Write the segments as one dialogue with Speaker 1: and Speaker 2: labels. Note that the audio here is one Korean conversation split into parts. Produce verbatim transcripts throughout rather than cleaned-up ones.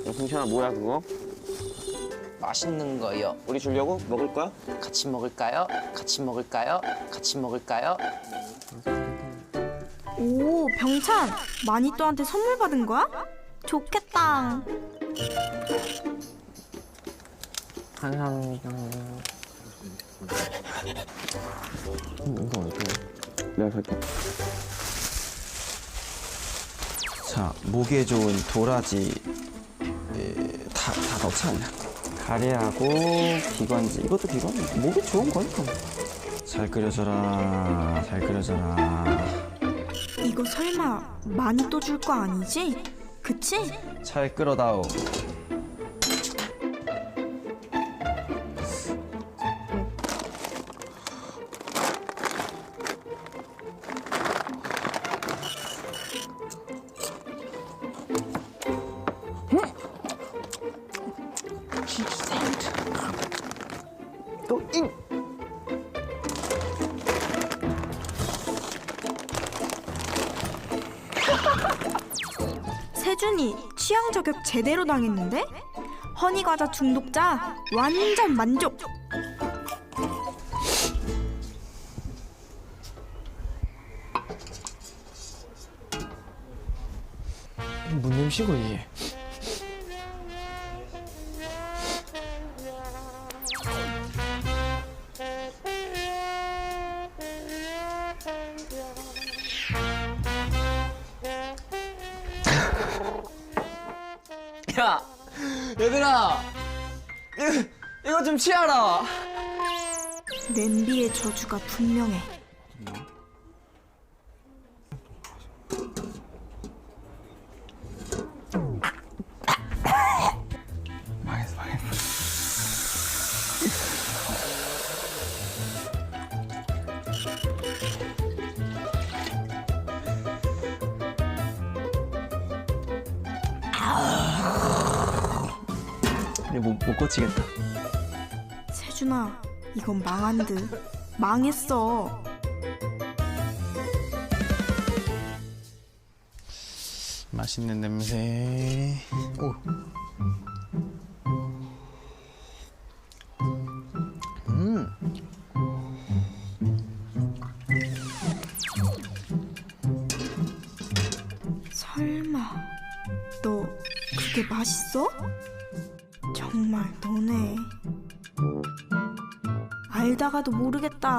Speaker 1: 승찬아 뭐야 그거?
Speaker 2: 맛있는 거요.
Speaker 1: 우리 주려고? 먹을 거야?
Speaker 2: 같이 먹을까요? 같이 먹을까요? 같이 먹을까요?
Speaker 3: 오, 병찬! 마니또한테 선물 받은 거야? 좋겠다.
Speaker 2: 감사합니다.
Speaker 1: 이거 어때? 내가 살게.
Speaker 4: 자, 목에 좋은 도라지 에, 다, 다 넣지 않냐? 가래하고 비건지 이것도 비건? 목에 좋은 거니까. 잘 끓여줘라, 잘 끓여줘라.
Speaker 3: 이거 설마 마니또 줄 거 아니지? 그치?
Speaker 4: 잘 끓어다오.
Speaker 1: 또 잉!
Speaker 3: 세준이 취향 저격 제대로 당했는데? 허니과자 중독자 완전 만족!
Speaker 2: 뭔 냄새고 이게? 야, 얘들아, 이거, 이거 좀 취하라.
Speaker 3: 냄비의 저주가 분명해.
Speaker 4: 망했어, 망했어. 이제 못, 못 고치겠다.
Speaker 3: 세준아, 이건 망한 듯. 망했어.
Speaker 4: 맛있는 냄새. 오. 음.
Speaker 3: 설마 너 그게 맛있어? 정말 너네 알다가도 모르겠다.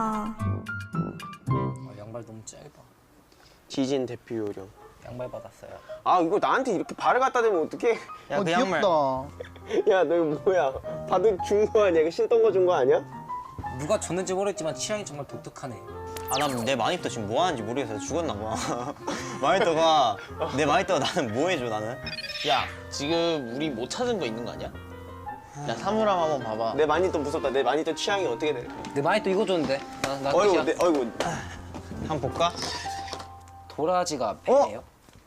Speaker 2: 아, 양발 너무 짧아.
Speaker 1: 지진 대표 요령.
Speaker 2: 양발 받았어요.
Speaker 1: 아 이거 나한테 이렇게 발을 갖다 대면 어떡해?
Speaker 4: 야, 그 양말.
Speaker 1: 야 너 이거 뭐야? 받은 준 거 아니야? 이거 신던 거 준 거 아니야?
Speaker 2: 누가 줬는지 모르겠지만 취향이 정말 독특하네.
Speaker 5: 아, 난 내 마니또 지금 뭐 하는지 모르겠어서 죽었나 봐. 마니또가, 내 마니또가 나는 뭐 해줘, 나는?
Speaker 6: 야, 지금 우리 못 찾은 거 있는 거 아니야? 야, 사물함 한번 봐봐.
Speaker 1: 내 마니또 무섭다. 내 마니또 취향이 어떻게 돼?
Speaker 2: 내 마니또 이거 줬는데. 나, 나
Speaker 1: 어이구,
Speaker 2: 끝이야.
Speaker 1: 내, 어이구.
Speaker 5: 한번 볼까?
Speaker 2: 도라지가 배예요?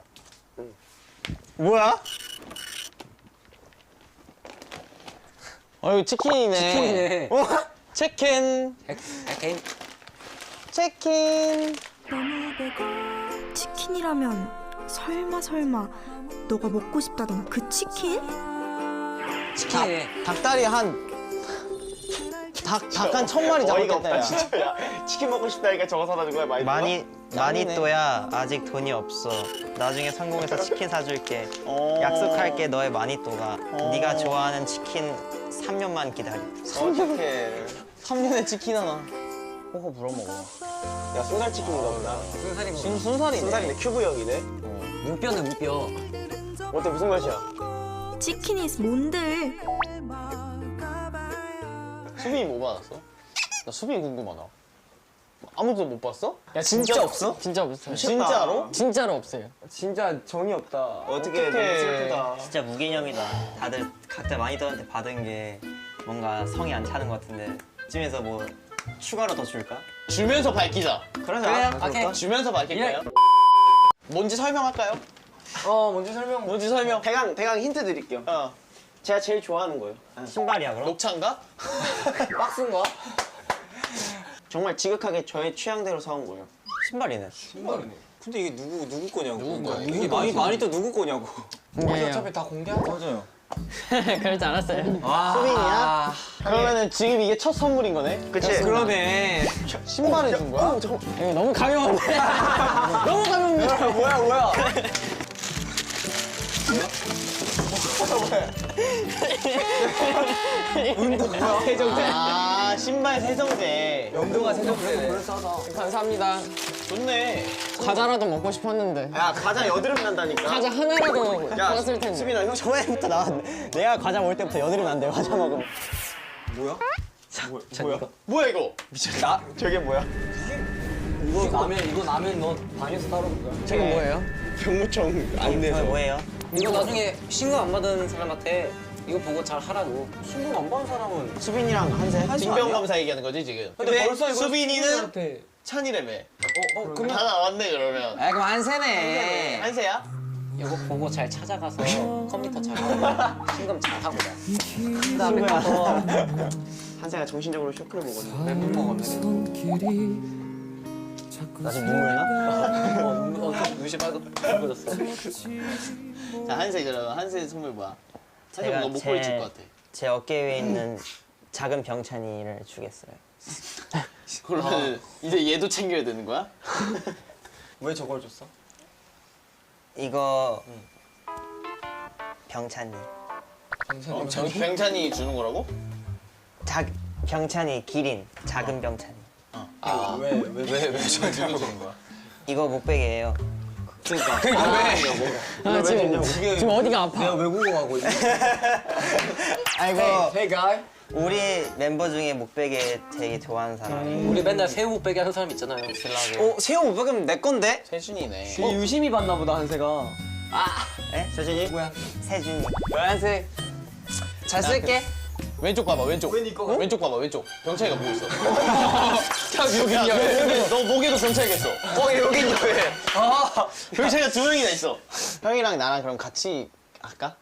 Speaker 5: 뭐야?
Speaker 6: 어, 이거 치킨이네.
Speaker 2: 치킨이네.
Speaker 6: 어? 치킨.
Speaker 2: 에케인.
Speaker 6: 치킨.
Speaker 3: 치킨이라면 설마 설마 너가 먹고 싶다던 그 치킨?
Speaker 2: 치킨이네.
Speaker 6: 닭다리 한 닭, 닭 한 천 마리
Speaker 1: 어이가
Speaker 6: 잡았겠다,
Speaker 1: 없다
Speaker 6: 야.
Speaker 1: 진짜. 야 치킨 먹고 싶다니까 저거 사다 준 거야 마니또가?
Speaker 5: 마니, 마니또야, 아직 돈이 없어. 나중에 성공해서 치킨 사줄게.
Speaker 1: 어.
Speaker 5: 약속할게, 너의 마니또가. 네가 좋아하는 치킨 삼 년만 기다려.
Speaker 1: 어떡해.
Speaker 6: 삼 년에 치킨 하나. 호호 불어먹어.
Speaker 1: 야 순살 치킨인가 보다.
Speaker 2: 순살이
Speaker 6: 순, 순살이네.
Speaker 1: 순살인데 큐브형이네.
Speaker 2: 무뼈네 무뼈.
Speaker 1: 어때 무슨 맛이야?
Speaker 3: 치킨이 뭔들?
Speaker 6: 수빈이 뭐 받았어? 나 수빈이 궁금하다. 아무도 못 봤어? 야, 진짜 없어?
Speaker 2: 진짜 없어요.
Speaker 6: 진짜로?
Speaker 2: 진짜로 없어요.
Speaker 1: 진짜 정이 없다. 어떻게
Speaker 6: 어떡해.
Speaker 1: 너무 슬프다.
Speaker 5: 진짜 무개념이다. 다들 각자 마니또한테 받은 게 뭔가 성이 안 차는 것 같은데. 이쯤에서 뭐 추가로 더 줄까?
Speaker 6: 주면서 밝히자.
Speaker 1: 그러자.
Speaker 2: 그래요? 오케이.
Speaker 6: 주면서 밝힐까요? 뭔지 설명할까요?
Speaker 2: 어, 뭔지 설명.
Speaker 6: 뭔지 설명.
Speaker 1: 대강 대강 힌트 드릴게요.
Speaker 6: 어.
Speaker 1: 제가 제일 좋아하는 거예요.
Speaker 5: 신발이야, 그럼?
Speaker 6: 녹차인가?
Speaker 2: 박스인가?
Speaker 1: 정말 지극하게 저의 취향대로 사온 거예요.
Speaker 5: 신발이네.
Speaker 2: 신발이네.
Speaker 4: 근데 이게 누구 누구 거냐고.
Speaker 2: 누구 거야?
Speaker 4: 이게 많이 많이 또 누구 거냐고.
Speaker 2: 우리 어차피 다 공개하자.
Speaker 4: 맞아요.
Speaker 2: 그러지 않았어요.
Speaker 5: 수빈이야?
Speaker 6: 그러면은 지금 이게 첫 선물인 거네?
Speaker 1: 그치?
Speaker 2: 그러네.
Speaker 6: 신발을 준 거야?
Speaker 2: 이거 너무 가벼운데? 너무 가벼운데?
Speaker 6: 뭐야 뭐야?
Speaker 2: 세정제.
Speaker 6: 아 신발 세정제.
Speaker 2: 영도가 세정제네. 감사합니다.
Speaker 6: 좋네.
Speaker 2: 과자라도 먹고 싶었는데.
Speaker 1: 야 과자 여드름 난다니까.
Speaker 2: 과자 하나라도 먹었을 텐데.
Speaker 1: 수빈아 형
Speaker 5: 저번부터 나왔는데 내가 과자 먹을 때부터 여드름이 안 돼. 과자 먹으면.
Speaker 6: 뭐야 이거?
Speaker 1: 나 저게 뭐야?
Speaker 2: 이거 라면, 이거 라면 너 방에서 따로 먹을 거야? 저게 뭐예요?
Speaker 1: 병무청 안내서.
Speaker 5: 이거 뭐예요?
Speaker 2: 이거 나중에 신고 안 받은 사람한테 이거 보고 잘 하라고.
Speaker 1: 신고 안 받은 사람은 수빈이랑 한세.
Speaker 6: 징병 검사 얘기하는 거지 지금.
Speaker 2: 근데 벌써 이거
Speaker 6: 수빈이는 찬이라며.
Speaker 2: 어, 어, 그러면
Speaker 6: 다 나왔네 그러면.
Speaker 2: 아, 그럼 한세네.
Speaker 6: 한세야?
Speaker 2: 이거 보고 잘 찾아가서 컴퓨터 잘 하고 신금 잘 하고 자. 그다음에 가서
Speaker 1: 한세가 정신적으로 쇼크를 먹었네.
Speaker 2: 멘붕 먹었네.
Speaker 5: 나 지금 눈물 나?
Speaker 2: 어, 눈, 어, 눈이 빨개 빨개졌어.
Speaker 6: 자 한세 그러면 한세 선물 뭐야? 한세
Speaker 5: 제가
Speaker 6: 뭔가
Speaker 5: 제-
Speaker 6: 목걸이 줄 것 같아.
Speaker 5: 제 어깨 위에 있는 작은 병찬이를 주겠어요.
Speaker 6: 그러면 이제 얘도 챙겨야 되는 거야?
Speaker 1: 왜 저걸 줬어?
Speaker 5: 이거 병찬이.
Speaker 6: 어, 정- 병찬이 주는 거라고?
Speaker 5: 작 병찬이 기린 작은 병찬이.
Speaker 6: 아, 왜, 왜, 왜, 왜 저한테 주는 거야?
Speaker 5: 이거 목베개예요.
Speaker 2: 아, 지금, 지금 어디가 아파? 내가 외국어하고 있네.
Speaker 5: 아이고
Speaker 2: Hey guy.
Speaker 5: 우리 멤버 중에 목베개 되게 좋아하는 사람.
Speaker 2: 우리 맨날 새우 목베개 하는 사람 있잖아요. 신라고.
Speaker 5: 어 새우 목베개면 내 건데?
Speaker 6: 세준이네.
Speaker 2: 어? 유심히 봤나 보다 한세가.
Speaker 5: 에? 세준이?
Speaker 2: 뭐야?
Speaker 5: 세준이.
Speaker 2: 한세. 잘 쓸게.
Speaker 6: 왼쪽 봐봐 왼쪽.
Speaker 2: 왜 네 거가?
Speaker 6: 왼쪽 봐봐 왼쪽. 병찬이가 보고 있어. 여기 야, 여기 너 목에도 병찬이가 있어.
Speaker 5: 어 여기 있네.
Speaker 6: 아, 병찬이가 두 명이나 있어. 형이랑 나랑 그럼 같이 할까?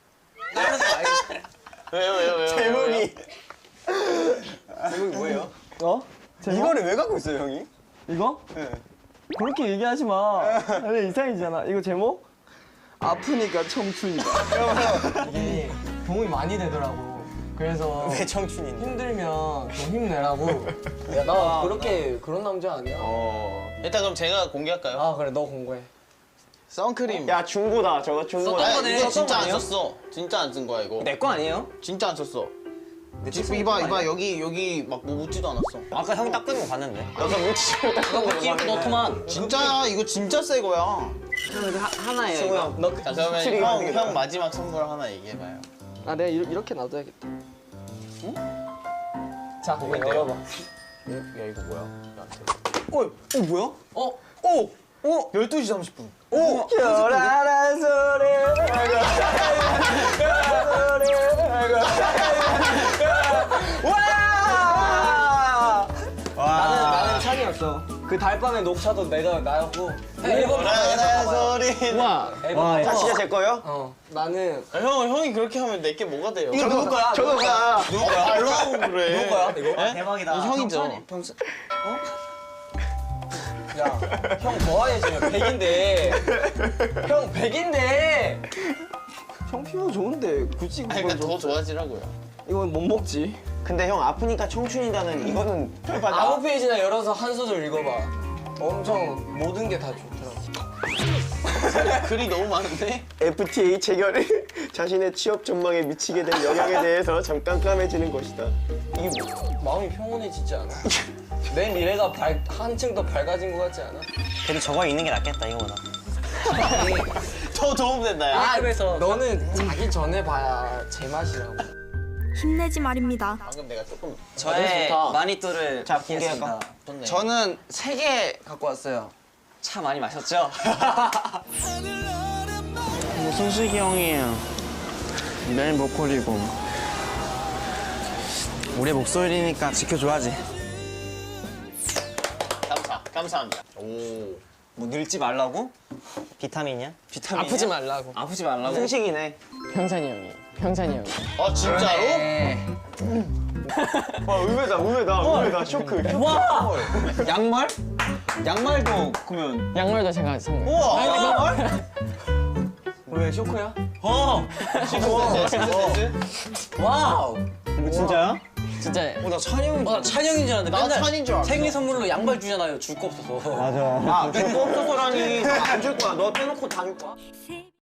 Speaker 6: 왜요 왜요 왜요?
Speaker 1: 제목이
Speaker 6: 제목이 뭐예요?
Speaker 1: 어? 이거를 왜 갖고 있어요 형이?
Speaker 7: 이거? 그렇게 얘기하지 마. 근데 이상이잖아. 이거 제목? 아프니까 청춘이다.
Speaker 2: 이게 도움이 많이 되더라고. 그래서
Speaker 5: 왜 청춘인데?
Speaker 2: 힘들면 좀 힘내라고. 야, 나 그렇게 그런 남자 아니야.
Speaker 6: 일단 그럼 제가 공개할까요?
Speaker 2: 아, 그래, 너 공부해.
Speaker 6: 선크림.
Speaker 1: 야 중고다 저거 중고.
Speaker 2: 썼던
Speaker 6: 아니,
Speaker 2: 거네.
Speaker 6: 이거 진짜
Speaker 2: 썼던 거
Speaker 6: 안
Speaker 2: 아니에요?
Speaker 6: 썼어. 진짜 안 쓴 거야 이거.
Speaker 5: 내 거 아니에요?
Speaker 6: 진짜 안 썼어. 지금 이봐 이봐 여기 여기 막 뭐 묻지도 않았어.
Speaker 5: 아까 형이 딱 끄는 거 봤는데.
Speaker 1: 너가 묻히고 딱
Speaker 2: 너 웃기고 너트만.
Speaker 6: 진짜야 이거 진짜 새 거야.
Speaker 2: 하나예요.
Speaker 1: 승우 형.
Speaker 2: 너
Speaker 6: 자 그러면
Speaker 1: 확실히
Speaker 6: 형,
Speaker 1: 이거다.
Speaker 6: 형 마지막 선물 하나 얘기해봐요.
Speaker 7: 아, 내가 이, 이렇게 놔둬야겠다.
Speaker 2: 자, 이거 열어봐.
Speaker 6: 야 이거 뭐야?
Speaker 1: 어, 어 뭐야?
Speaker 2: 어?
Speaker 1: 오! 오!
Speaker 6: 열두 시 삼십 분.
Speaker 1: 오! 결혼한 소리 와! 나는 나는 찬이었어. 그 달밤의 녹차도 내가 나였고.
Speaker 2: 앨범
Speaker 6: 결혼한 소리.
Speaker 2: 와, 앨범.
Speaker 1: 다 진짜 제 거예요?
Speaker 2: 어, 나는
Speaker 6: 아, 형 형이 그렇게 하면 내게 뭐가 돼요?
Speaker 1: 이거 누구 거야? 저거 거야.
Speaker 6: 누구 거야? 알로 그래.
Speaker 2: 누구 거야, 이거?
Speaker 6: 에?
Speaker 5: 대박이다.
Speaker 6: 이 형이죠.
Speaker 2: 병수. 야, 형 뭐하냐 지금 백인데. 형 백인데.
Speaker 7: 형 피부 좋은데 굳이
Speaker 6: 아니
Speaker 7: 그걸
Speaker 6: 그러니까 더
Speaker 7: 줘.
Speaker 6: 좋아지라고요.
Speaker 7: 이건 못 먹지.
Speaker 1: 근데 형 아프니까 청춘이다는 이거는 해봐.
Speaker 2: 아홉 페이지나 열어서 한 소절 읽어봐. 엄청 모든 게 다 좋더라고.
Speaker 6: 글이 너무 많은데?
Speaker 1: 에프티에이 체결이 자신의 취업 전망에 미치게 된 영향에 대해서 잠깐 까매지는 것이다.
Speaker 2: 이게 뭐, 마음이 평온해지지 않아? 내 미래가 밝, 한층 더 밝아진 것 같지 않아?
Speaker 5: 그래도 저거 있는 게 낫겠다 이거보다.
Speaker 6: 더 도움 된다 야.
Speaker 2: 아, 그래서 너는 자기 전에 봐야 제맛이라고.
Speaker 3: 힘내지 말입니다.
Speaker 6: 방금 내가 조금
Speaker 5: 저의
Speaker 2: 좋다.
Speaker 5: 마니또를
Speaker 1: 자,
Speaker 5: 공개할까?
Speaker 6: 좋네.
Speaker 2: 저는 세 개 갖고 왔어요.
Speaker 5: 차 많이 마셨죠? 뭐 승식이 형이에요. 매일 목걸이고. 우리 목소리니까 지켜줘야지.
Speaker 6: 감사 감사합니다. 오.
Speaker 5: 뭐 늙지 말라고? 비타민이야? 비타민.
Speaker 2: 아프지 말라고.
Speaker 5: 아프지 말라고?
Speaker 1: 승식이네.
Speaker 2: 평산이 형이. 평산이 형이.
Speaker 6: 아 진짜로?
Speaker 1: 와 의외다 의외다 의외다 쇼크.
Speaker 5: 와! 양말? 양말도 그러면
Speaker 2: 양말도 제가 선물.
Speaker 6: 우와.
Speaker 5: 왜
Speaker 7: 왜 쇼크야?
Speaker 2: 어! 와우!
Speaker 5: 이거 진짜야?
Speaker 2: 진짜.
Speaker 5: 어, 나 찬영.
Speaker 2: 어, 나 찬영인 줄 알았는데 맨날
Speaker 1: 찬인 줄 알았어.
Speaker 2: 생일 선물로 양발 주잖아요. 줄 거 없어서.
Speaker 5: 맞아.
Speaker 1: 아, 줄거 없어서라니. 안 줄 거야. 너 빼놓고 다 줄 거야.